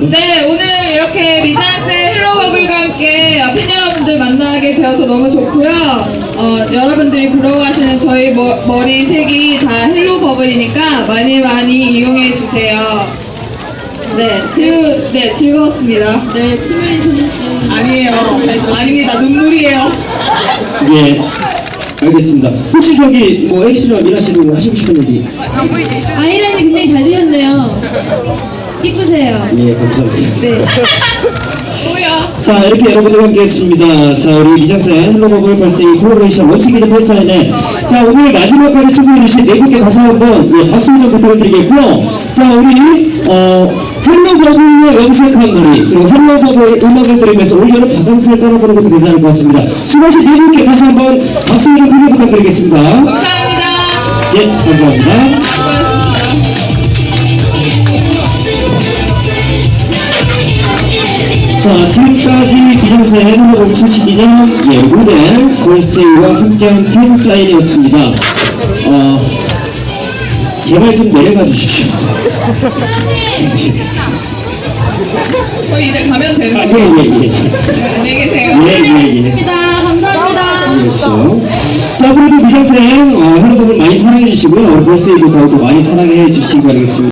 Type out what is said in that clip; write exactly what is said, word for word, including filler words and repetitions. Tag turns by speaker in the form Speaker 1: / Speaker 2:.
Speaker 1: 네, 오늘 이렇게 미장센 헬로버블과 함께 팬 여러분들 만나게 되어서 너무 좋고요. 어, 여러분들이 부러워하시는 저희 머, 머리 색이 다 헬로버블이니까 많이 많이 이용해 주세요. 네, 그리고 네, 즐거웠습니다.
Speaker 2: 네, 치명이 소진씨.
Speaker 3: 아니에요. 아닙니다. 눈물이에요.
Speaker 4: 예, 알겠습니다. 혹시 저기 뭐 엑스나 미나 씨도 하시고 싶은 얘기?
Speaker 1: 아이라인이 굉장히 잘 되셨네요. 이쁘세요.
Speaker 4: 예, 감사합니다.
Speaker 1: 네.
Speaker 3: 뭐야?
Speaker 4: 자, 이렇게 여러분들과 함께 했습니다. 자, 우리 미장센 헬로버블 벌써 이 콜라보레이션 원칙기대 팬사인회. 자, 오늘 마지막까지 수고해주신 네 분께 다시 한번 예, 박수 좀 부탁드리겠고요. 자, 우리 어, 헬로버블로 염색한 머리 그리고 헬로버블 음악을 들으면서 올여름 바캉스를 떠나보는 것도 괜찮을 것 같습니다. 수고하신 네 분께 다시 한번 박수 좀 크게 부탁드리겠습니다.
Speaker 1: 감사합니다.
Speaker 4: 예, 감사합니다.
Speaker 1: 수고하셨습니다.
Speaker 4: 자, 지금까지 미장센 헬로버블 칠십이 년 예, 모델 걸스데이와 함께한 팬사인이었습니다. 어, 제발 좀 내려가 주십시오.
Speaker 1: 저희 이제 가면 되는
Speaker 4: 아,
Speaker 1: 거죠?
Speaker 4: 예, 예, 예.
Speaker 1: 안녕히 계세요.
Speaker 4: 예, 예, 예.
Speaker 1: 감사합니다. 감사합니다.
Speaker 4: 그렇죠. 자, 그래도 미장센 어, 헬로버블 많이 사랑해 주시고요. 걸스데이도 더욱더 많이 사랑해 주시기 바라겠습니다.